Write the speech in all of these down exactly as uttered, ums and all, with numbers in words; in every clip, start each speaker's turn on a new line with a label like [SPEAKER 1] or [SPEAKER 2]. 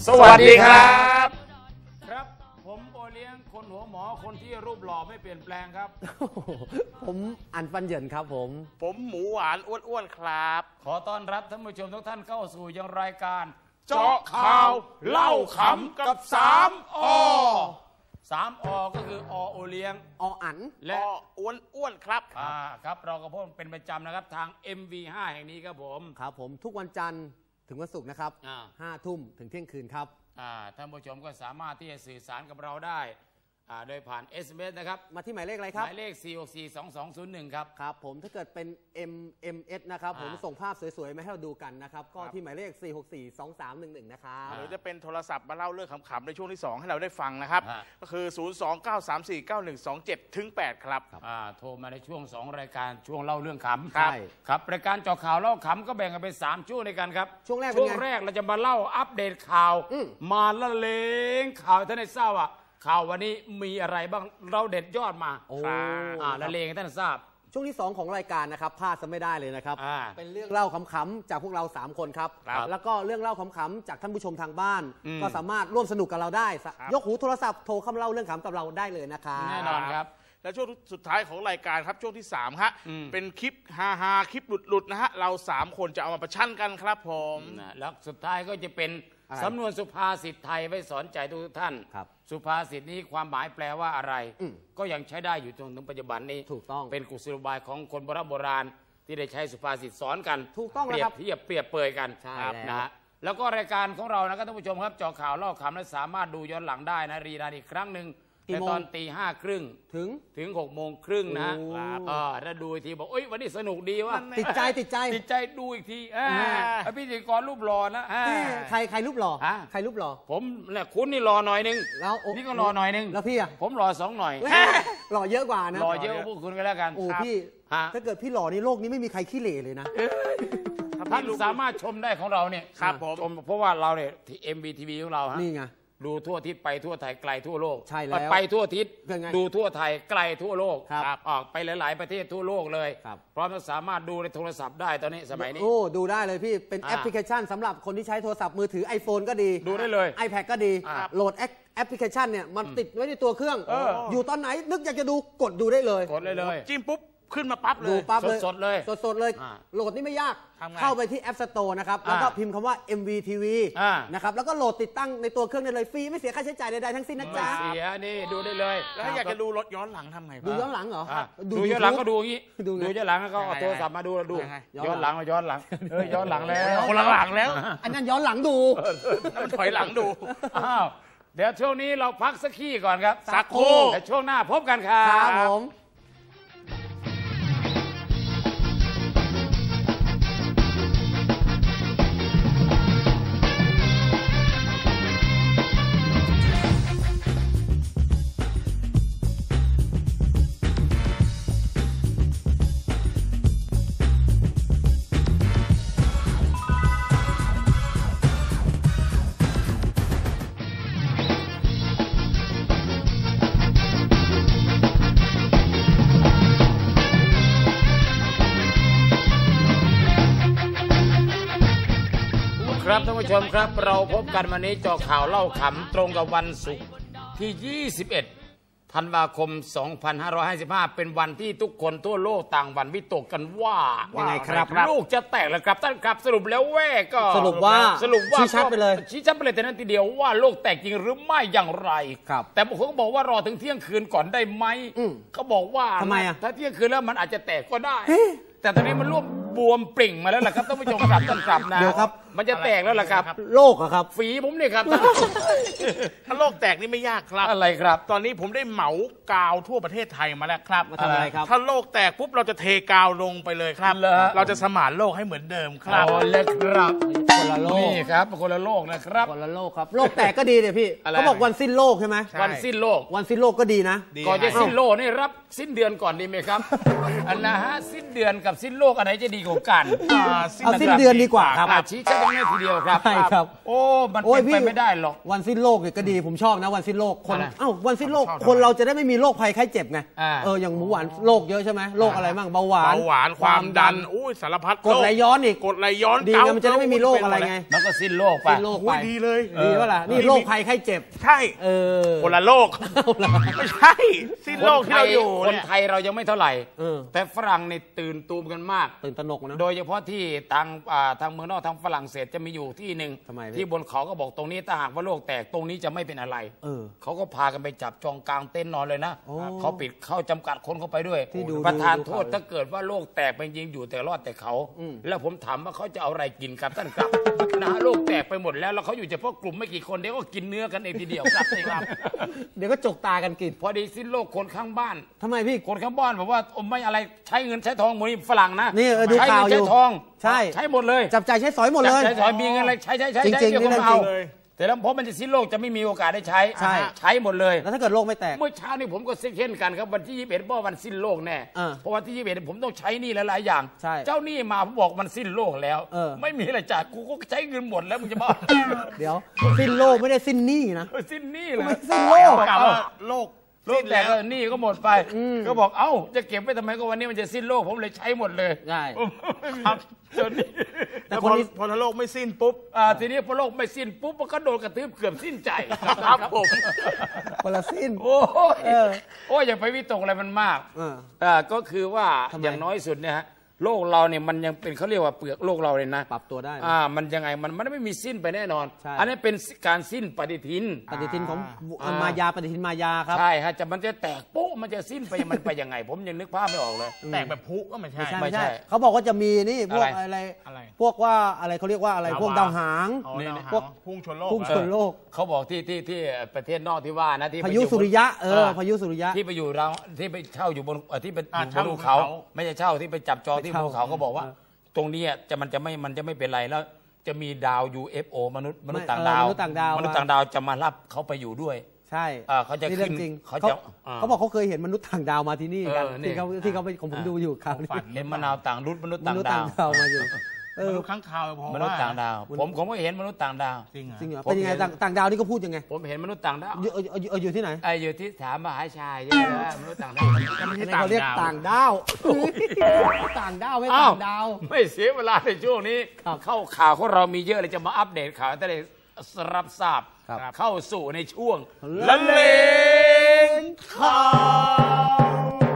[SPEAKER 1] สวัสดีครับ
[SPEAKER 2] ครับผมโอเลี้ยงคนหัวหมอคนที่รูปหล่อไม่เปลี่ยนแปลงครับ
[SPEAKER 3] ผมอันฟันเหยินครับผม
[SPEAKER 1] ผมหมูหวานอ้วนๆครับ
[SPEAKER 2] ขอต้อนรับท่านผู้ชมทุกท่านเข้าสู่ยังรายการ
[SPEAKER 1] เจาะข่าวเล่าขำกับสามอ
[SPEAKER 2] สามอก็คืออโอเลี้ยง
[SPEAKER 3] ออัน
[SPEAKER 2] และ
[SPEAKER 1] อ้วนอ้วนครับ
[SPEAKER 2] อ่าครับเราก็พบเป็นประจำนะครับทาง เอ็ม วี ห้า แห่งนี้ครับผม
[SPEAKER 3] ครับผมทุกวันจันทร์ถึงวันศุกร์นะครับห้าทุ่มถึงเที่ยงคืนครับ
[SPEAKER 2] ท่านผู้ชมก็สามารถที่จะสื่อสารกับเราได้โดยผ่าน เอส เอ็ม เอส นะครับ
[SPEAKER 3] มาที่หมายเลขอะไรครับ
[SPEAKER 2] หมายเลข สี่ หก สี่ สอง สอง ศูนย์ หนึ่ง ครับ
[SPEAKER 3] ครับผมถ้าเกิดเป็น เอ็ม เอ็ม เอส นะครับผมส่งภาพสวยๆมาให้เราดูกันนะครับก็ที่หมายเลข สี่ หก สี่ สอง สาม หนึ่ง หนึ่ง นะครับ
[SPEAKER 1] หรือจะเป็นโทรศัพท์มาเล่าเรื่องขำๆในช่วงที่สองให้เราได้ฟังนะครับก็คือ ศูนย์ สอง เก้า สาม สี่ เก้า หนึ่ง สอง เจ็ด ถึง แปด ครับ
[SPEAKER 2] โทรมาในช่วงสองรายการช่วงเล่าเรื่องขำ
[SPEAKER 3] ใช่
[SPEAKER 2] ครับรายการเจาะข่าวเล่าขำก็แบ่งกันเป็นสามช่วงในกันครับ
[SPEAKER 3] ช่วงแรก
[SPEAKER 2] ช่วงแรกเราจะมาเล่าอัปเดตข่าวมาละเลงข่าวท่านได้ทราบว่าข่าววันนี้มีอะไรบ้างเราเด็ดยอดมา
[SPEAKER 3] โอ้
[SPEAKER 2] ละเลงให้ท่านทราบ
[SPEAKER 3] ช่วงที่สองของรายการนะครับพลาดซะไม่ได้เลยนะครับเป็นเรื่องเล่าขำๆจากพวกเราสามคนครับแล้วก็เรื่องเล่าขำๆจากท่านผู้ชมทางบ้านก็สามารถร่วมสนุกกับเราได้ยกหูโทรศัพท์โทรเข้ามาเล่าเรื่องขำกับเราได้เลยนะครับ
[SPEAKER 2] แน่นอนครับ
[SPEAKER 1] และช่วงสุดท้ายของรายการครับช่วงที่สามฮะเป็นคลิปฮาฮาคลิปหลุดๆนะฮะเราสามคนจะเอามาประชันกันครับผม
[SPEAKER 2] แล้วสุดท้ายก็จะเป็นสำนวนสุภาษิตไทยไว้สอนใจทุกท่านสุภาษิตนี้ความหมายแปลว่าอะไรก็ยังใช้ได้อยู่จนถึงปัจจุบันนี้
[SPEAKER 3] ถูกต้อง
[SPEAKER 2] เป็นกุศโลบายของคนโบราณโบราณที่ได้ใช้สุภาษิตสอนกัน
[SPEAKER 3] ถูกต้อง
[SPEAKER 2] เปรียบเทียบเปรียบเปรยกันนะฮะแล้วก็รายการของเรานะครับท่านผู้ชมครับเจาะข่าวเล่าขำและสามารถดูย้อนหลังได้นะรีรันอีกครั้งหนึ่งในตอนตีห้าครึ่ง
[SPEAKER 3] ถึง
[SPEAKER 2] ถึงหกโมงครึ่งนะถ้าดูอีกทีบอกโอ๊ยวันนี้สนุกดีว่า
[SPEAKER 3] ติดใจติดใจ
[SPEAKER 2] ติดใจดูอีกทีพิธีกรรูปหล่อนะ
[SPEAKER 3] ใครใครรูปหล่อใครรูปหล่อ
[SPEAKER 2] ผมเนี่ยคุณนี่หล่อหน่อยนึง
[SPEAKER 3] แล้ว
[SPEAKER 2] นี่ก็หล่อหน่อยนึง
[SPEAKER 3] แล้วพี่อะ
[SPEAKER 2] ผมหล่อสองหน่อย
[SPEAKER 3] หล่อเยอะกว่านะ
[SPEAKER 2] หล่อเยอะพวกคุณก็แล้วกัน
[SPEAKER 3] โอ้พี่ถ้าเกิดพี่หล่อนี่โลกนี้ไม่มีใครขี้เหร่เลยนะ
[SPEAKER 2] ท่านสามารถชมได้ของเราเนี่ย
[SPEAKER 1] ครับผม
[SPEAKER 2] ชมเพราะว่าเราเนี่ยที่ เอ็ม วี ที วี ของเราฮะ
[SPEAKER 3] นี่ไง
[SPEAKER 2] ดูทั่วทิศไปทั่วไทยไกลทั่วโลก
[SPEAKER 3] ใช่แล้ว
[SPEAKER 2] ไปทั่วทิศดูทั่วไทยไกลทั่วโลก
[SPEAKER 3] ครับ
[SPEAKER 2] ออกไปหลายๆประเทศทั่วโลกเลยพร้อมจะสามารถดูในโทรศัพท์ได้ตอนนี้สมัยนี้
[SPEAKER 3] โอ้ดูได้เลยพี่เป็นแอปพลิเคชันสำหรับคนที่ใช้โทรศัพท์มือถือ iPhone ก็ดี
[SPEAKER 2] ดูได้เลย
[SPEAKER 3] iPad ก็ดีโหลดแอปพลิเคชันเนี่ยมันติดไว้ในตัวเครื่องอยู่ตอนไหนนึกอยากจะดูกดดูได้เลย
[SPEAKER 2] กดเลยเลย
[SPEAKER 1] จิ้มปุ๊บขึ้นมาปั๊บเลย
[SPEAKER 3] ดูปั๊บเลย
[SPEAKER 2] สดเลย
[SPEAKER 3] สดๆเลยโหลดนี่ไม่ยากเข้าไปที่ App Store นะครับแล้วก็พิมพ์คำว่า เอ็ม วี ที วี นะครับแล้วก็โหลดติดตั้งในตัวเครื่องได้เลยฟรีไม่เสียค่าใช้จ่ายใดๆทั้งสิ้นนะจ๊ะ
[SPEAKER 2] ไม่เสียนี่ดูได้เลย
[SPEAKER 1] แล้วถ้าอยากจะดูรถย้อนหลังทำไง
[SPEAKER 3] ดูย้อนหลังเหรอ
[SPEAKER 2] ดูย้อนหลังก็ดูอย่างนี้ดูย้อนหลังก็เอาโทรศัพท์มาดูดูย้อนหลังย้อนหลังเออย้อนหลังแล้ว
[SPEAKER 1] คนหลังแล้ว
[SPEAKER 3] อันนั้นย้อนหลังดู
[SPEAKER 1] ถอยหลังดู
[SPEAKER 2] อ้าวเดี๋ยวช่วงนี้เราพักสักขี้ก่อนครับ
[SPEAKER 1] สักครู่
[SPEAKER 2] แต่ช่วงหน้าพบกันครับ
[SPEAKER 3] ครับผม
[SPEAKER 2] ครับท่านผู้ชมครับเราพบกันวันนี้เจาะข่าวเล่าขำตรงกับวันศุกร์ที่ยี่สิบเอ็ดธันวาคมสองพันห้าร้อยห้าสิบห้าเป็นวันที่ทุกคนทั่วโลกต่างหวั่นวิตกกันว่า
[SPEAKER 3] ยังไงครับ
[SPEAKER 2] โลกจะแตกแล้วครับท่านครับสรุปแล้วแว่ก็
[SPEAKER 3] สรุปว่า
[SPEAKER 2] สรุปว่า
[SPEAKER 3] ชี้ชัดไปเลย
[SPEAKER 2] ชี้ชัดไปเลยแต่นั้นทีเดียวว่าโลกแตกจริงหรือไม่อย่างไรแต่บางคนก็บอกว่ารอถึงเที่ยงคืนก่อนได้ไหมเขาบอกว่า
[SPEAKER 3] ทำไมอ่ะ
[SPEAKER 2] ถ้าเที่ยงคืนแล้วมันอาจจะแตกก็ได้แต่ตอนนี้มันร่วมบวมปริ่งมาแล้วล่ะครับท่านผู้ชมครับท่านครับนะ
[SPEAKER 3] เดี๋ยวครับ
[SPEAKER 2] มันจะแตกแล้วล่ะครับ
[SPEAKER 3] โลกอะครับ
[SPEAKER 2] ฝีผมนี่ครับ
[SPEAKER 1] ถ้าโลกแตกนี่ไม่ยากครับ
[SPEAKER 2] อะไรครับ
[SPEAKER 1] ตอนนี้ผมได้เหมากาวทั่วประเทศไทยมาแล้วครับ
[SPEAKER 3] มาทำอะไรครับ
[SPEAKER 1] ถ้าโลกแตกปุ๊บเราจะเทกาวลงไปเลยครับเราจะสมานโลกให้เหมือนเดิมครับ
[SPEAKER 2] อ๋อเลยครับ
[SPEAKER 3] คนละโลก
[SPEAKER 2] นี่ครับคนละโลกนะครับ
[SPEAKER 3] คนละโลกครับโลกแตกก็ดีเนี่ยพี่เขาบอกวันสิ้นโลกใช่ไหม
[SPEAKER 2] วันสิ้นโลก
[SPEAKER 3] วันสิ้นโลกก็ดีนะ
[SPEAKER 2] ก่อนจะสิ้นโลกนี่รับสิ้นเดือนก่อนดีไหมครับอันนะฮะสิ้นเดือนกับสิ้นโลกอันไหนจะดีกว่ากัน
[SPEAKER 3] เอาสิ้นเดือนดีกว่าครับ
[SPEAKER 2] ชี้ชัดตรงนี้ทีเดียวครับ
[SPEAKER 3] ใช่ครับ
[SPEAKER 2] โอ้มันเป็นไปไม่ได้หรอก
[SPEAKER 3] วันสิ้นโลกเนี่ยก็ดีผมชอบนะวันสิ้นโลกคนเอ้าวันสิ้นโลกคนเราจะได้ไม่มีโรคภัยไข้เจ็บไงเอออย่างหมูหวานโรคเยอะใช่ไหมโรคอะไรบ้างเบาหวาน
[SPEAKER 1] เบาหวานความดันอุ้ยสารพัด
[SPEAKER 3] กดไหลย้อนอีก
[SPEAKER 1] กดไหลย้อน
[SPEAKER 3] ดีมันจะได้ไม่มีโรคอะไรไง
[SPEAKER 2] มันก็สิ้นโลกไป
[SPEAKER 3] สิ้นโลกไป
[SPEAKER 1] ดีเลย
[SPEAKER 3] ดีว่าล่ะนี่โรคภัยไข้เจ็บ
[SPEAKER 1] ใช่
[SPEAKER 3] เออ
[SPEAKER 1] คนละโลกไม่ใช่สิ้นโลกที่เราอยู่
[SPEAKER 2] คนไทยเรายังไม่เท่าไหร่แต่ฝรั่งนี่ตื่นตูมกันมาก
[SPEAKER 3] ตื่นตระหนกนะ
[SPEAKER 2] โดยเฉพาะที่ทางทางเมืองนอกทางฝรั่งเศสจะมีอยู่ที่หนึ่งที่บนเขาก็บอกตรงนี้ถ้าหากว่าโลกแตกตรงนี้จะไม่เป็นอะไรเขาก็พากันไปจับจองกลางเต็นท์นอนเลยนะเขาปิดเข้าจำกัดคนเข้าไปด้วยประธานโทษถ้าเกิดว่าโลกแตกเป็นยิงอยู่แต่รอดแต่เขาแล้วผมถามว่าเขาจะเอาอะไรกินครับท่านครับนะโลกแตกไปหมดแล้วแล้วเขาอยู่เฉพาะกลุ่มไม่กี่คนเดี๋ยวก็กินเนื้อกันเองทีเดียวครับนี่ครับ
[SPEAKER 3] เดี๋ยวก็จกตากันกิน
[SPEAKER 2] พอดีสิ้นโลกคนข้างบ้าน
[SPEAKER 3] ทำไมพี่
[SPEAKER 2] คนข้างบ้านบอกว่าไม่อะไรใช้เงินใช้ทองหมดนี่ฝรั่งนะ
[SPEAKER 3] นี่ดูข่าวอยู่
[SPEAKER 2] ใช้ทอง
[SPEAKER 3] ใช่
[SPEAKER 2] ใช้หมดเลย
[SPEAKER 3] จับจ่ายใช้สอยหมดเลย
[SPEAKER 2] ใช้สอยมีเงินอะไรใช้ใช้ใช้
[SPEAKER 3] จริงจริงนี่เรื่องจริง
[SPEAKER 2] แต่แล้วเพราะมันจะสิ้นโลกจะไม่มีโอกาสได้ใช้
[SPEAKER 3] ใช่
[SPEAKER 2] ใช้หมดเลย
[SPEAKER 3] แล้วถ้าเกิดโลกไม่แตก
[SPEAKER 2] เมื่อเช้านี่ผมก็เช่นกันครับวันที่ยี่สิบเอ็ดเพราะวันสิ้นโลกแน่เพราะวันที่ยี่สิบเอ็ดผมต้องใช้หนี้หลายๆอย่างเจ้าหนี้มาผมบอกมันสิ้นโลกแล้วไม่มีอะไรจ่ายกูก็ใช้เงินหมดแล้วมึงจะบอก
[SPEAKER 3] เดี๋ยวสิ้นโลกไม่ได้สิ้นหนี้นะ
[SPEAKER 2] สิ้นหนี้เลย
[SPEAKER 3] สิ้นโลก
[SPEAKER 1] กล่าวว่าโลก
[SPEAKER 2] โลกแต่ก็หนี้ก็หมดไปก็บอกเอ้าจะเก็บไว้ทำไมก็วันนี้มันจะสิ้นโลกผมเลยใช้หมดเลย
[SPEAKER 3] ใช่
[SPEAKER 2] ครับจนนี้
[SPEAKER 1] แต่พอพอโลกไม่สิ้นปุ๊บ
[SPEAKER 2] อ่าทีนี้พอโลกไม่สิ้นปุ๊บมันก็โดนกระทืบเกือบสิ้นใจ
[SPEAKER 1] ครับผม
[SPEAKER 3] คนละสิ้น
[SPEAKER 2] โอ้ยโอ้ยอย่าไปวิตกอะไรมันมากอ่าก็คือว่าอย่างน้อยสุดเนี่ยฮะโลกเราเนี่ยมันยังเป็นเขาเรียกว่าเปลือกโลกเราเลยนะ
[SPEAKER 3] ปรับตัวได้
[SPEAKER 2] อ่ามันยังไงมันมันไม่มีสิ้นไปแน่นอนอันนี้เป็นการสิ้นปฏิทิน
[SPEAKER 3] ปฏิทินของมายาปฏิทินมายาครับ
[SPEAKER 2] ใช่ฮะจะมันจะแตกปุ๊บมันจะสิ้นไปมันไปยังไงผมยังนึกภาพไม่ออกเลย
[SPEAKER 1] แตกแบบพุก็ไม่ใช่
[SPEAKER 3] ไม่ใช่เขาบอกว่าจะมีนี่พวกอะไรพวกว่าอะไรเขาเรียกว่าอะไรพวกดาวหาง
[SPEAKER 1] พวกพุ่งชนโลก
[SPEAKER 3] พุ่งชนโลก
[SPEAKER 2] เขาบอกที่ที่ที่ประเทศนอกที่ว่านะที่
[SPEAKER 3] พายุสุริยะเออพายุสุริยะ
[SPEAKER 2] ที่ไปอยู่เราที่ไปเช่าอยู่บนที่ไปอยู่บนภูเขาไม่ใช่เช่าที่ไปจับจองที่ภูเขาเขาบอกว่าตรงนี้จะมันจะไม่มันจะไม่เป็นไรแล้วจะมีดาว ยู เอฟ โอ มนุษย์มนุษย์ต่างดาวมนุษย์ต่างดาวมนุษย์ต่างดาวจะมารับเขาไปอยู่ด้วย
[SPEAKER 3] ใช่
[SPEAKER 2] เขาจะขึ้น
[SPEAKER 3] เขาจะเขาบอกเขาเคยเห็นมนุษย์ต่างดาวมาที่นี่กันที่เขาที่เขาไปผมดูอยู่ครับ
[SPEAKER 2] เห็นมะนาวต่างรุ่นมนุษย์ต่างดาว
[SPEAKER 3] มาอยู่
[SPEAKER 1] มนุษย์ข้างคาวพอ
[SPEAKER 2] มนุษย์ต่างดาวผมผมก็เห็นมนุษย์ต่างดาว
[SPEAKER 3] จริงเหรอเป็นยังไงต่างดาวนี่ก็พูดยังไง
[SPEAKER 2] ผมเห็นมนุษย์ต่างดาว
[SPEAKER 3] อยู่ที่ไหน
[SPEAKER 2] อยู่ที่ถามมหาชัยใช่ไหมมนุษย์ต่างดาว
[SPEAKER 3] เขาเรียกต่างดาวต่างดาวไม่ต่างดาว
[SPEAKER 2] ไม่เสียเวลาในช่วงนี้เข้าข่าวของเรามีเยอะเลยจะมาอัปเดตข่าวแต่ได้รับทราบเข้าสู่ในช่วงละเลงข่าว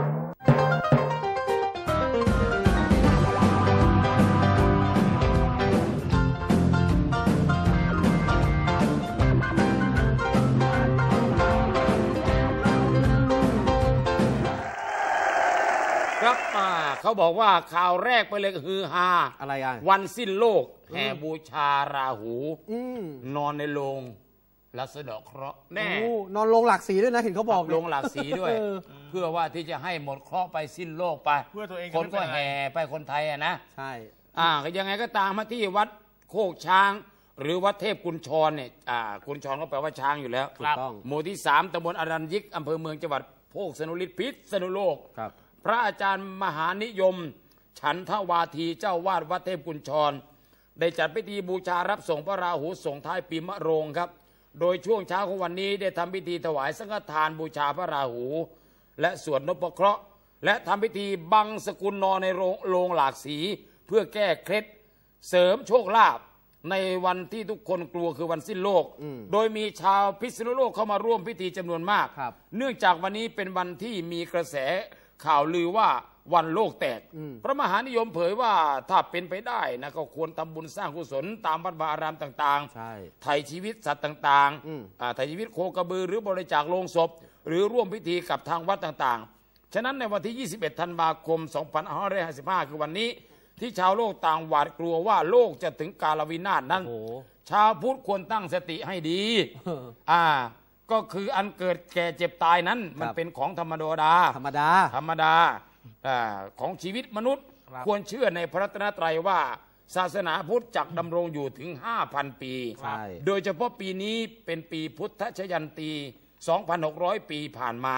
[SPEAKER 2] ครับเขาบอกว่าข่าวแรกไปเลยคือฮา
[SPEAKER 3] อะไรอ่ะ
[SPEAKER 2] วันสิ้นโลกแห่บูชาราหูนอนในโรงและสะเดาะเคราะห์แน่
[SPEAKER 3] นอนโรงหลากสีด้วยนะเห็นเขาบอก
[SPEAKER 2] โรงหลากสีด้วยเพื่อว่าที่จะให้หมดเคราะห์ไปสิ้นโลกไป
[SPEAKER 1] เพื่อตัวเอง
[SPEAKER 2] คนก็แห่ไปคนไทยอ่ะนะ
[SPEAKER 3] ใช่
[SPEAKER 2] อ่ายังไงก็ตามมาที่วัดโคกช้างหรือวัดเทพกุญชรเนี่ยอ่ากุญชรก็แปลว่าช้างอยู่แล้ว
[SPEAKER 3] ถูกต้อง
[SPEAKER 2] หมู่ที่สามตำบลอรัญยิกอำเภอเมืองจังหวัดโพกสนุริตพิษณุโลก
[SPEAKER 3] ครับ
[SPEAKER 2] พระอาจารย์มหานิยมฉันทวาทีเจ้าวาดวัดเทพกุญชรได้จัดพิธีบูชารับส่งพระราหูส่งท้ายปีมะโรงครับโดยช่วงเช้าของวันนี้ได้ทำพิธีถวายสังฆทานบูชาพระราหูและสวดนพเคราะห์และทำพิธีบังสกุลนอนในโรงหลากสีเพื่อแก้เคล็ดเสริมโชคลาภในวันที่ทุกคนกลัวคือวันสิ้นโลกโดยมีชาวพิษณุโลกเข้ามาร่วมพิธีจำนวนมากเนื่องจากวันนี้เป็นวันที่มีกระแสข่าวลือว่าวันโลกแตกพระมหานิยมเผยว่าถ้าเป็นไปได้นะก็ควรทำบุญสร้างกุศลตามวัดวาอารามต่างๆไถ่ชีวิตสัตว์ต่างๆไถ่ชีวิตโคกระบือหรือบริจาคโลงศพหรือร่วมพิธีกับทางวัดต่างๆฉะนั้นในวันที่ยี่สิบเอ็ดธันวาคมสองพันห้าร้อยห้าสิบห้าคือวันนี้ที่ชาวโลกต่างหวาดกลัวว่าโลกจะถึงกาลวินาศนั้นชาวพุทธควรตั้งสติให้ดีอ่าก็คืออันเกิดแก่เจ็บตายนั้นมันเป็นของธรรมดา
[SPEAKER 3] ธรรมดา
[SPEAKER 2] ธรรมดาของชีวิตมนุษย์ควรเชื่อในพระรัตนตรัยว่าศาสนาพุทธจักดำรงอยู่ถึง ห้าพัน ปีโดยเฉพาะปีนี้เป็นปีพุทธชยันตี สองพันหกร้อย ปีผ่านมาพ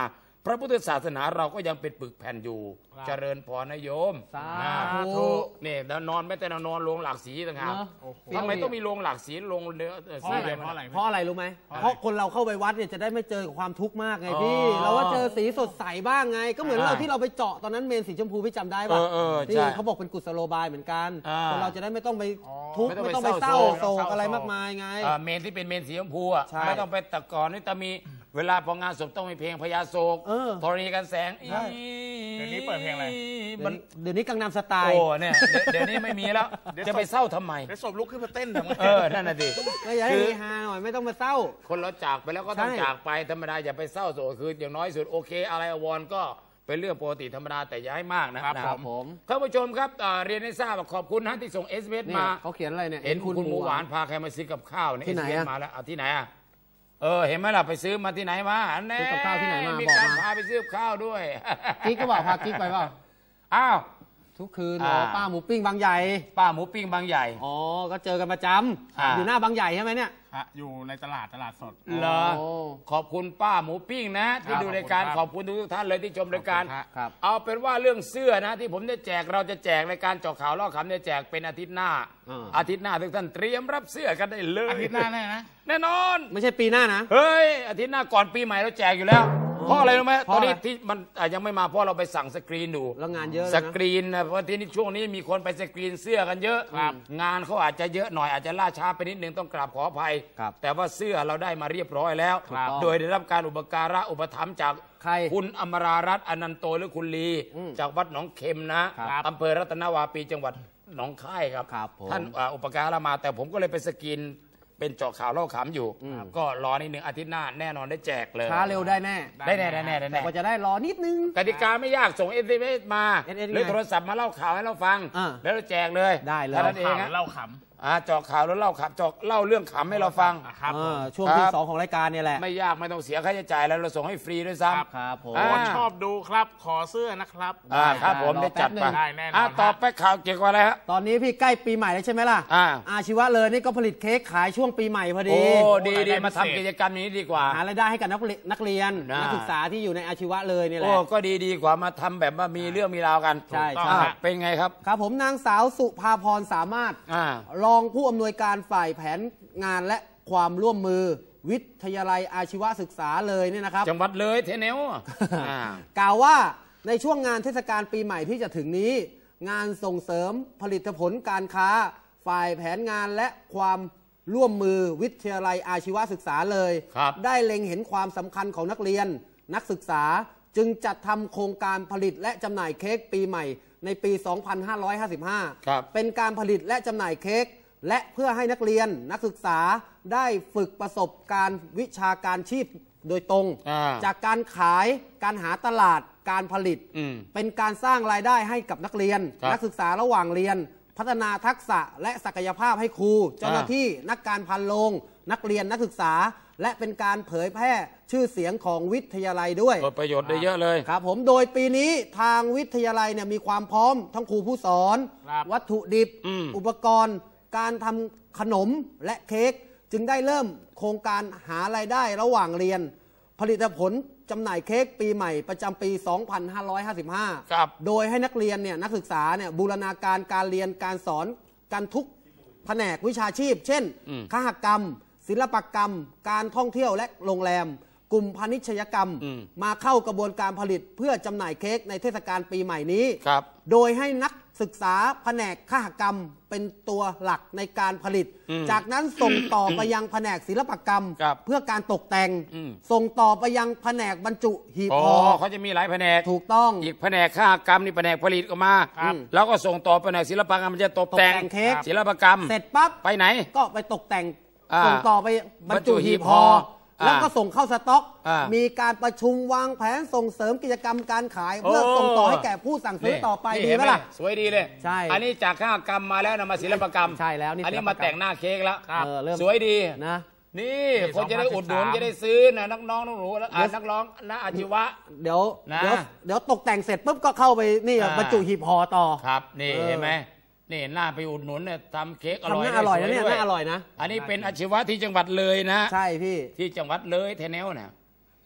[SPEAKER 2] พระพุทธศาสนาเราก็ยังเป็นปึกแผ่นอยู่เจริญพรนะโยม
[SPEAKER 3] สาธุ
[SPEAKER 2] นี่แล้วนอนไม่แต่นอนโรงหลากสีต่างหากทำไมต้องมีโรงหลากสีโรงเนื้อสีอะไรเพราะอะไร
[SPEAKER 3] เพราะอะไรรู้ไหมเพราะคนเราเข้าไปวัดเนี่ยจะได้ไม่เจอความทุกข์มากไงพี่เราว่าเจอสีสดใสบ้างไงก็เหมือนเราที่เราไปเจาะตอนนั้นเมนสีชมพูพี่จำได้ป่ะที่เขาบอกเป็นกุศโลบายเหมือนกันคนเราจะได้ไม่ต้องไปทุกข์ไม่ต้องไปเศร้าโศกอะไรมากมายไง
[SPEAKER 2] เมนที่เป็นเมนสีชมพูอ่ะไม่ต้องไปตะกอนนี่แต่มีเวลาพองานศพต้องมีเพลงพญาโศกธรณีกันแสง
[SPEAKER 1] เดี๋ยวนี้เปิดเพลงอะไร
[SPEAKER 3] เดี๋ยวนี้กังนำสไตล์
[SPEAKER 2] โอ้เนี่ยเดี๋ยวนี้ไม่มีแล้วจะไปเศร้าทำไม
[SPEAKER 1] เดี๋ยวศพลุกขึ้นมาเต้นทำไม
[SPEAKER 2] เออนั่นน่ะดิ
[SPEAKER 3] ก็อย่าให้ฮาหน่อยไม่ต้องมาเศร้า
[SPEAKER 2] คนเราจากไปแล้วก็ต้องจากไปธรรมดาอย่าไปเศร้าโศกคืออย่างน้อยสุดโอเคอะไรอวรก็เป็นเรื่องปกติธรรมดาแต่อย่าให้มากนะครับ
[SPEAKER 3] ผม
[SPEAKER 2] ท่านผู้ชมครับเรียนให้ทราบขอบคุณนะที่ส่งเอสเวสมา
[SPEAKER 3] เขาเขียนอะไรเนี่ย
[SPEAKER 2] เห็นคุณหมูหวานพาใครมาซื้อกับข้าวเนี่ยเอสเวสมาแล้วเอาที่ไหนอ่ะเออเห็นไหมล่ะไปซื้อมาที่ไหนมา
[SPEAKER 3] ซื้อกับข้าวที่ไหนมา
[SPEAKER 2] มี
[SPEAKER 3] บอก
[SPEAKER 2] การ
[SPEAKER 3] มา
[SPEAKER 2] พาไปซื้อข้าวด้วย
[SPEAKER 3] กิ๊กก็บอกพากิ๊กไปเปล่า
[SPEAKER 2] อ้าว
[SPEAKER 3] ทุกคืนป้าหมูปิ้งบางใหญ่
[SPEAKER 2] ป้าหมูปิ้งบางใหญ่
[SPEAKER 3] อ๋อก็เจอกันประจำอยู่หน้าบางใหญ่ใช่ไหมเนี่ย
[SPEAKER 1] อยู่ในตลาดตลาดสด
[SPEAKER 2] เหรอขอบคุณป้าหมูปิ้งนะที่ดูรายการขอบคุณทุกท่านเลยที่ชมรายการเอาเป็นว่าเรื่องเสื้อนะที่ผมจะแจกเราจะแจกรายการเจาะข่าวเล่าขำจะแจกเป็นอาทิตย์หน้าอาทิตย์หน้าทุกท่านเตรียมรับเสื้อกันได้เลย
[SPEAKER 1] อาทิตย์หน้าแน่นะ
[SPEAKER 2] แน่นอน
[SPEAKER 3] ไม่ใช่ปีหน้านะ
[SPEAKER 2] เฮ้ยอาทิตย์หน้าก่อนปีใหม่เราแจกอยู่แล้วเพราะอะไรรู้ไหมตอนนี้ที่มันยังไม่มาเพราะเราไปสั่งสกรีนดู
[SPEAKER 3] แล้วงานเยอะ
[SPEAKER 2] สกรีนนะเพราะที่นี่ช่วงนี้มีคนไปสกรีนเสื้อกันเยอะงานเขาอาจจะเยอะหน่อยอาจจะล่าช้าไปนิดนึงต้องกราบขออภัยแต่ว่าเสื้อเราได้มาเรียบร้อยแล้วโดยได้รับการอุปการะอุปถัมภ์จากคุณอมรารัตน์อนันโตหรือคุณลีจากวัดหนองเข็มนะอำเภอรัตนวาปีจังหวัดหนองคายครับท่านอุปการะมาแต่ผมก็เลยไปสกรีนเป็นเจาะข่าวเล่าขำอยู่ก็รอนิดนึงอาทิตย์หน้าแน่นอนได้แจกเลย
[SPEAKER 3] ช้าเร็วได้แน่
[SPEAKER 2] ได้แน่ได้แน่ได้แน่
[SPEAKER 3] ก็จะได้รอนิดนึง
[SPEAKER 2] กติกาไม่ยากส่งเอสเอ็มเอสมาหรือโทรศัพท์มาเล่าข่าวให้เราฟังแล้วเราแจกเลย
[SPEAKER 3] ได้เลย
[SPEAKER 1] เล่าขำ
[SPEAKER 2] อ่าเจาะข่าวแล้วเล่าขำเจาะเล่าเรื่องขำให้เราฟัง
[SPEAKER 3] ครับช่วงที่สองของรายการเนี่ยแหละ
[SPEAKER 2] ไม่ยากไม่ต้องเสียค่าใช้จ่ายแล้วเราส่งให้ฟรีด้วยซ้ำ
[SPEAKER 3] ครับผม
[SPEAKER 1] ชอบดูครับขอเสื้อนะครับ
[SPEAKER 2] อ่าครับผมได้จัดไป
[SPEAKER 1] ได้แน่นอน
[SPEAKER 2] ต่อไปข่าวเกี่ยวกับอะไรฮะ
[SPEAKER 3] ตอนนี้พี่ใกล้ปีใหม่แล้วใช่ไหมล่ะอาชีวะเลยนี่ก็ผลิตเค้กขายช่วงปีใหม่พอดี
[SPEAKER 2] โอ้ดีดีมาทำกิจกรรมนี้ดีกว่า
[SPEAKER 3] หารายได้ให้กับนักเรียนนักศึกษาที่อยู่ในอาชีวะเลยนี่แหละโอ้
[SPEAKER 2] ก็ดีดีกว่ามาทำแบบว่ามีเรื่องมีราวกัน
[SPEAKER 3] ใช่
[SPEAKER 2] ใช่เป็นไงครับ
[SPEAKER 3] ครับผมนางสาวสุภาพรสามารถรองผู้อำนวยการฝ่ายแผนงานและความร่วมมือวิทยาลัยอาชีวศึกษาเลยเนี่ยนะครับ
[SPEAKER 2] จังหวัดเลยเทเนว
[SPEAKER 3] กล่าวว่าในช่วงงานเทศกาลปีใหม่ที่จะถึงนี้งานส่งเสริมผลิตผลการค้าฝ่ายแผนงานและความร่วมมือวิทยาลัยอาชีวศึกษาเลยได้เล็งเห็นความสำคัญของนักเรียนนักศึกษาจึงจัดทำโครงการผลิตและจำหน่ายเค้กปีใหม่ในปี สองพันห้าร้อยห้าสิบห้า เป็นการผลิตและจำหน่ายเค้กและเพื่อให้นักเรียนนักศึกษาได้ฝึกประสบการณ์วิชาการชีพโดยตรงจากการขายการหาตลาดการผลิตเป็นการสร้างรายได้ให้กับนักเรียนนักศึกษาระหว่างเรียนพัฒนาทักษะและศักยภาพให้ครูเจ้าหน้าที่นักการพันโรงนักเรียนนักศึกษาและเป็นการเผยแพร่ชื่อเสียงของวิทยาลัยด้วย
[SPEAKER 2] ประโยชน์ได้เยอะเลย
[SPEAKER 3] ครับผมโดยปีนี้ทางวิทยาลัยเนี่ยมีความพร้อมทั้งครูผู้สอนวัตถุดิบอุปกรณ์การทำขนมและเค้กจึงได้เริ่มโครงการหารายได้ระหว่างเรียนผลิตผลจำหน่ายเค้กปีใหม่ประจำปี สองพันห้าร้อยห้าสิบห้า โดยให้นักเรียนเนี่ยนักศึกษาเนี่ยบูรณาการการเรียนการสอนกันทุกแผนกวิชาชีพเช่นคหกรรมศิลปกรรมการท่องเที่ยวและโรงแรมกลุ่มพาณิชยกรรมมาเข้ากระบวนการผลิตเพื่อจำหน่ายเค้กในเทศกาลปีใหม่นี้โดยให้นักศึกษาแผนกคหกรรมเป็นตัวหลักในการผลิตจากนั้นส่งต่อไปยังแผนกศิลปกรรมเพื่อการตกแต่งส่งต่อไปยังแผนกบรรจุหีบห่อ
[SPEAKER 2] เขาจะมีหลายแผนก
[SPEAKER 3] ถูกต้อง
[SPEAKER 2] อีกแผนกคหกรรมนี่แผนกผลิตออกมาแล้วก็ส่งต่อแผนกศิลปกรรมมันจะตกแต่ง
[SPEAKER 3] เค้ก
[SPEAKER 2] ศิลปกรรม
[SPEAKER 3] เสร็จปั๊บ
[SPEAKER 2] ไปไหน
[SPEAKER 3] ก็ไปตกแต่งส่งต่อไปบรรจุหีบห่อแล้วก็ส่งเข้าสต็อกมีการประชุมวางแผนส่งเสริมกิจกรรมการขายเพื่อส่งต่อให้แก่ผู้สั่งซื้อต่อไปดีไหมล่ะ
[SPEAKER 2] สวยดีเลย
[SPEAKER 3] ใช่
[SPEAKER 2] อันนี้จากคหกรรมมาแล้วนำมาศิลปกรรม
[SPEAKER 3] ใช่แล้ว
[SPEAKER 2] อันนี้มาแต่งหน้าเค้กแล้วสวยดี
[SPEAKER 3] นะ
[SPEAKER 2] นี่คนจะได้อุดหนุนจะได้ซื้อนะนักน้องนักหนูนักร้องนักอาชีวะ
[SPEAKER 3] เดี๋ยวเดี๋ยวเดี๋ยวตกแต่งเสร็จปุ๊บก็เข้าไปนี่บรรจุหีบห่อต่อ
[SPEAKER 2] ครับนี่เห็นไหมนี่น่าไปอุดหนุนเนี่ยทำเค้กอร่อย
[SPEAKER 3] น่าอร่อยนะเนี่ยน่าอร่อยนะ
[SPEAKER 2] อันนี้เป็นอาชีวะที่จังหวัดเลยนะ
[SPEAKER 3] ใช่พี่
[SPEAKER 2] ที่จังหวัดเลยแถวๆน่ะ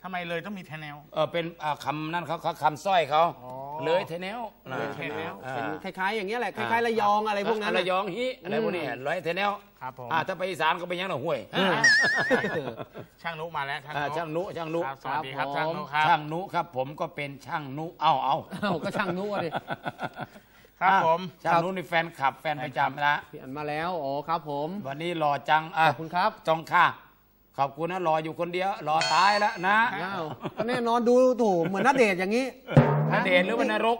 [SPEAKER 1] ทำไมเลยต้องมีแทแนว
[SPEAKER 2] เออเป็นคำนั่นเขาเขาคำสร้อยเขาเลยแทแนว
[SPEAKER 1] เลยแทแนว
[SPEAKER 3] เป็นคล้ายๆอย่างเงี้ยแหละคล้ายๆระยองอะไรพวกนั้น
[SPEAKER 2] ระยองฮิอะไรพวกนี้เลยแทแนว
[SPEAKER 1] ครับผม
[SPEAKER 2] ถ้าไปอีสานก็เป็นยังหน่อห้วย
[SPEAKER 1] ช่างนุมาแล้ว
[SPEAKER 2] ช่างนุช่างนุ
[SPEAKER 1] สวัสดีครับช่างนุครับ
[SPEAKER 2] ช่างนุครับผมก็เป็นช่างนุเอาเอา
[SPEAKER 3] ก็ช่างนุเลย
[SPEAKER 1] ครับผม
[SPEAKER 2] ช่างนุนี่แฟนคลับแฟนประจำนะ
[SPEAKER 3] พี่อันมาแล้วโอ้ครับผม
[SPEAKER 2] วันนี้รอจัง
[SPEAKER 3] ขอบคุณครับ
[SPEAKER 2] จองค่ะขอบคุณนะรออยู่คนเดียวรอตายแล้วนะ
[SPEAKER 3] แน่นอนดูถูกเหมือนนัดเดทอย่างนี้
[SPEAKER 2] นัดเดทหรือว่านรก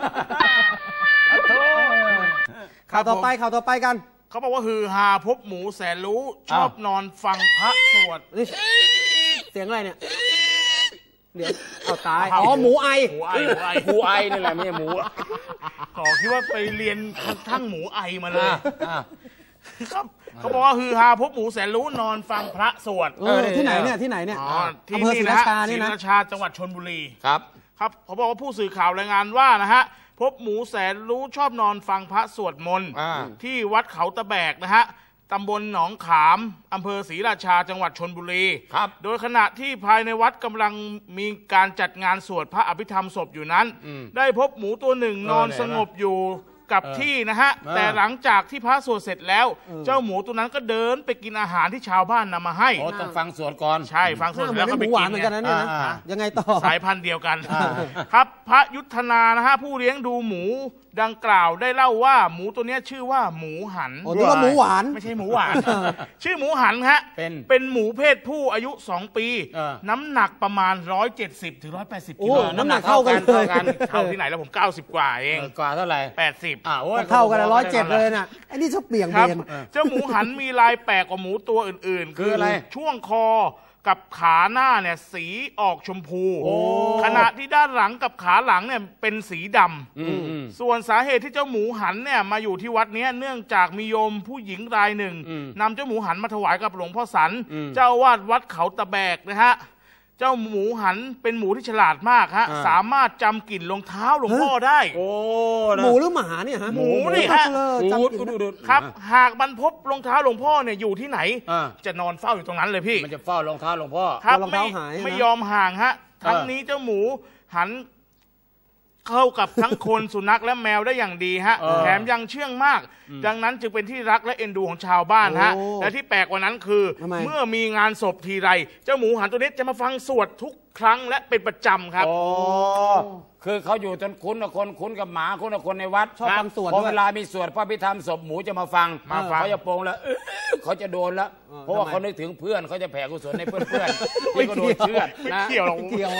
[SPEAKER 3] ข่าวต่อไปข่าวต่อไปกัน
[SPEAKER 1] เขาบอกว่าฮือฮาพบหมูแสนรู้ชอบนอนฟังพระสวด
[SPEAKER 3] เสียงอะไรเนี่ยเดี๋ยวเอาตายอ๋อหมูไอ
[SPEAKER 1] หมูไอ
[SPEAKER 2] หมูไอนี่แหละไม่ใช่หมู
[SPEAKER 1] ขอคิดว่าไปเรียนทั้งหมูไอมาเลยครับเขาบอกว่าฮือฮาพบหมูแสนรู้นอนฟังพระสวด
[SPEAKER 3] ที่ไหนเนี่ยที่ไหนเนี่ย
[SPEAKER 1] อำเภอศรีราชาศรีราชาจังหวัดชลบุรี
[SPEAKER 2] ครับ
[SPEAKER 1] ครับเขาบอกว่าผู้สื่อข่าวรายงานว่านะฮะพบหมูแสนรู้ชอบนอนฟังพระสวดมนต์ที่วัดเขาตะแบกนะฮะตำบลหนองขามอำเภอศรีราชาจังหวัดชลบุรี
[SPEAKER 2] ครับ
[SPEAKER 1] โดยขณะที่ภายในวัดกำลังมีการจัดงานสวดพระอภิธรรมศพอยู่นั้นได้พบหมูตัวหนึ่งนอนสงบอยู่กับที่นะฮะแต่หลังจากที่พระสวดเสร็จแล้วเจ้าหมูตัวนั้นก็เดินไปกินอาหารที่ชาวบ้านนำมาให้
[SPEAKER 2] โอ้ต้องฟังสวดก่อน
[SPEAKER 1] ใช่ฟังสวดแล้วก็ไปกิน
[SPEAKER 3] เหมือนกันนะเนี่ยยังไงต่อ
[SPEAKER 1] สายพันธุ์เดียวกันครับพระยุทธนานะฮะผู้เลี้ยงดูหมูดังกล่าวได้เล่าว่าหมูตัวนี้ชื่อว่าหมูหัน
[SPEAKER 3] โอ้นี่ก็หมูหวาน
[SPEAKER 1] ไม่ใช่หมูหวานชื่อหมูหันฮะเป็นเป็นหมูเพศผู้อายุสองปีน้ำหนักประมาณหนึ่งร้อยเจ็ดสิบถึงหนึ่งร้อยแปดสิบกิโล
[SPEAKER 3] น้ำหนักเท่ากัน
[SPEAKER 1] เท่ากันเท่าที่ไหนแล้วผมเก้าสิบกว่าเอง
[SPEAKER 2] กว่าเท่าไหร่
[SPEAKER 1] แปดสิบ
[SPEAKER 2] อ่าโอ้ย
[SPEAKER 3] เท่ากันร้อยเจ็ดเลยน่ะไอ้นี่ชอบเปลี่ยนเบน
[SPEAKER 1] เจ้าหมูหันมีลายแปลกกว่าหมูตัวอื่นๆ
[SPEAKER 2] คืออะไร
[SPEAKER 1] ช่วงคอกับขาหน้าเนี่ยสีออกชมพูขณะที่ด้านหลังกับขาหลังเนี่ยเป็นสีดำส่วนสาเหตุที่เจ้าหมูหันเนี่ยมาอยู่ที่วัดนี้เนื่องจากมีโยมผู้หญิงรายหนึ่งนำเจ้าหมูหันมาถวายกับหลวงพ่อสันเจ้าวาดวัดเขาตะแบกนะฮะเจ้าหมูหันเป็นหมูที่ฉลาดมากฮะสามารถจำกลิ่นรองเท้าหลวงพ่อได้
[SPEAKER 2] โอ้
[SPEAKER 3] หมูหรือหมาเนี่ยฮะ
[SPEAKER 1] หมูนี่ฮะครับหากมันพบรองเท้าหลวงพ่อเนี่ยอยู่ที่ไหนจะนอนเฝ้าอยู่ตรงนั้นเลยพี่
[SPEAKER 2] มันจะเฝ้ารองเท้าหลวงพ่อ
[SPEAKER 1] ครับไม่ไม่ยอมห่างฮะทั้งนี้เจ้าหมูหันเข้ากับทั้งคนสุนัขและแมวได้อย่างดีฮะแถมยังเชื่องมากดังนั้นจึงเป็นที่รักและเอ็นดูของชาวบ้านฮะและที่แปลกกว่านั้นคือเมื่อมีงานศพทีไรเจ้าหมูหันตัวนี้จะมาฟังสวดทุกครั้งและเป็นประจำครับ
[SPEAKER 2] อ๋อคือเขาอยู่จนคุ้นกับคนคุ้นกับหมาคุ้นกับคนในวัด
[SPEAKER 3] ชอบฟังสวด
[SPEAKER 2] พอเวลามีสวดพระพิธรรมศพหมูจะมาฟัง
[SPEAKER 1] มาฟัง
[SPEAKER 2] เขาจะโปงแล้วเขาจะโดนแล้วเพราะว่าเขานึกถึงเพื่อนเขาจะแผ่กุศลในเพื่อนๆที่เขาโดนเชือด
[SPEAKER 1] นะไม่เกี่ยวหรอก
[SPEAKER 3] เกี่ยว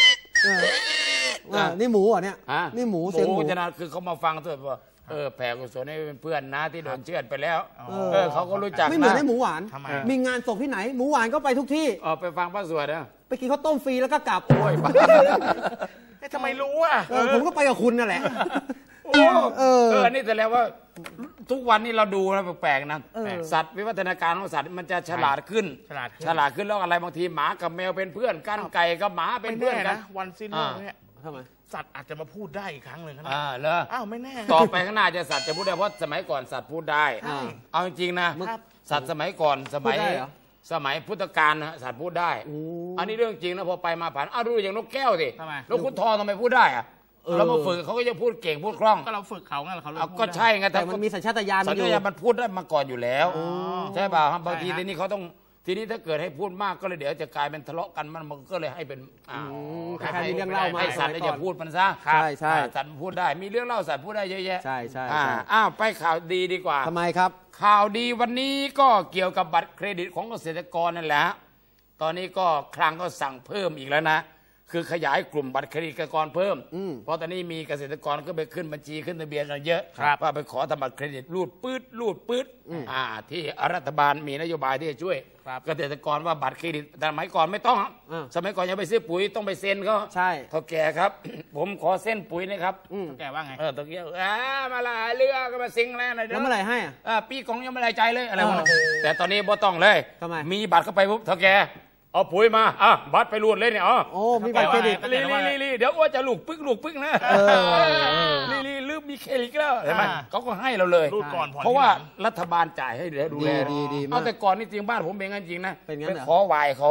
[SPEAKER 3] นี่หมูอ่ะเนี่ยนี่หมูเสียงหมู
[SPEAKER 2] จะนะคือเขามาฟังตัวว่าเออแผ่กุศลให้เพื่อนนะที่โดนเชือดไปแล้วเออเขาก็รู้จัก
[SPEAKER 3] ไม่เหมือนให้หมูหวานมีงานศพที่ไหนหมูหวานก็ไปทุกที่
[SPEAKER 2] เออไปฟังพระสวดนะ
[SPEAKER 3] ไปกินข้าวต้มฟรีแล้วก็กลับ
[SPEAKER 2] โอ้ย
[SPEAKER 1] ทำไมรู้อ่ะ
[SPEAKER 3] ผมก็ไปกับคุณนั่นแหละ
[SPEAKER 2] เออนี่แต่แล้วว่าทุกวันนี้เราดูนะแปลกๆนะสัตว์วิวัฒนาการของสัตว์มันจะฉลาดขึ้น
[SPEAKER 1] ฉลาด
[SPEAKER 2] ฉลาดขึ้นแล้วอะไรบางทีหมากับแมวเป็นเพื่อนกันไก่กับหมาเป็นเพื่อนกัน
[SPEAKER 1] วันสิ้นโลกเนี่ยทำไมสัตว์อาจจะมาพูดได้อีกครั้งหนึ่งนะ
[SPEAKER 2] อ่าเหรอ
[SPEAKER 1] อ้าวไม่แน่
[SPEAKER 2] ต่อไปข้างหน้าจะสัตว์จะพูดได้เพราะสมัยก่อนสัตว์พูดได้เอาจริงๆนะสัตว์สมัยก่อนสมัยสมัยพุทธกาลนะสัตว์พูดได้อันนี้เรื่องจริงนะพอไปมาผ่านอ้าวดูอย่างนกแก้วสินกขุนทองทำไมพูดได้อะเรามาฝึกเขาก็จะพูดเก่งพูดคล่อง
[SPEAKER 1] ก็เราฝึกเขาไงเขา
[SPEAKER 2] ก็ใช่ไง
[SPEAKER 3] แต่มันมีสัญชาตญาณ
[SPEAKER 2] สัญชาตญาณมันพูดได้มาก่อนอยู่แล้วใช่ป่ะบางทีทีนี้เขาต้องทีนี้ถ้าเกิดให้พูดมากก็เลยเดี๋ยวจะกลายเป็นทะเลาะกันมันมันก็เลยให้เป็น
[SPEAKER 3] ให้มีเรื่องเล่ามา
[SPEAKER 2] ให้สัตว์อย่าพูดมันซะ
[SPEAKER 3] ใช่ใช่
[SPEAKER 2] สัตว์พูดได้มีเรื่องเล่าสัตว์พูดได้เยอะแยะ
[SPEAKER 3] ใช่ใช่
[SPEAKER 2] อ้าวไปข่าวดีดีกว่า
[SPEAKER 3] ทำไมครับ
[SPEAKER 2] ข่าวดีวันนี้ก็เกี่ยวกับบัตรเครดิตของเกษตรกรนั่นแหละตอนนี้ก็คลังก็สั่งเพิ่มอีกแล้วนะคือขยายกลุ่มบัตรเครดิตเกษตรกรเพิ่มเพราะตอนนี้มีเกษตรกรก็ไปขึ้นบัญชีขึ้นทะเบียนกันเยอะว่าไปขอทำบัตรเครดิตรูดปื๊ดรูดปื๊ดอ่าที่รัฐบาลมีนโยบายที่จะช่วยเกษตรกรว่าบัตรเครดิตแต่สมัยก่อนไม่ต้องสมัยก่อนยังไปซื้อปุ๋ยต้องไปเซ็นเขา
[SPEAKER 3] ใช่
[SPEAKER 2] เท่าแก่ครับผมขอเส้นปุ๋ยนะครับ
[SPEAKER 1] เท่าแก่ว่าไง
[SPEAKER 2] เออเท่าแก่อ่ามาละเรือก็มาซิงแล้วนะ
[SPEAKER 3] แล้วเมื่อไหร่ให้
[SPEAKER 2] อ่าปีกองยังไม่ได้ใจเลยอะไรวะแต่ตอนนี้บ่ต้องเลยมีบัตรเข้าไปปุ๊บเท่าแก่เอาปุ๋ยมาอ่ะบัตรไปรูดเลยเนี่ยอ๋อ
[SPEAKER 3] โอ้มีบัตรเครดิต
[SPEAKER 2] ลีลีลีเดี๋ยวว่าจะลูกปึ๊กลูกปึ๊กนะลีลีลืมมีเครดิตแล้วเห็นไหมเขาก็ให้เราเลย
[SPEAKER 1] รูดก่อน
[SPEAKER 2] เพราะว่ารัฐบาลจ่ายให้เดี๋ยวดูแลเอาแต่ก่อนนี่จริงบ้านผมเป็นงั้นจริงนะเป็นขอวายเขา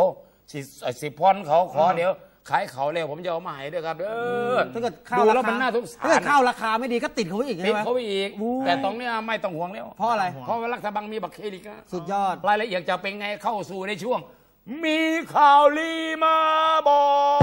[SPEAKER 2] สิสิพรเขาขอเดี๋ยวขายเขาเร็วผมจะเอามาให้ด้วยครับเออ
[SPEAKER 3] ถ้าเกิดข้าวราคาถ้าเกิดข้าวราคาไม่ดีก็ติดเขาอีกใช่ไหม
[SPEAKER 2] ติดเขาอีกแต่ตรงนี้ไม่ต้องห่วงแล้ว
[SPEAKER 3] เพราะอะไร
[SPEAKER 2] เพราะว่ารัฐบาลมีบักเคลิก
[SPEAKER 3] สุดยอด
[SPEAKER 2] รายละเอียดจะเป็นไงเข้าสู่ในช่วงมีข่าวลีมาบอก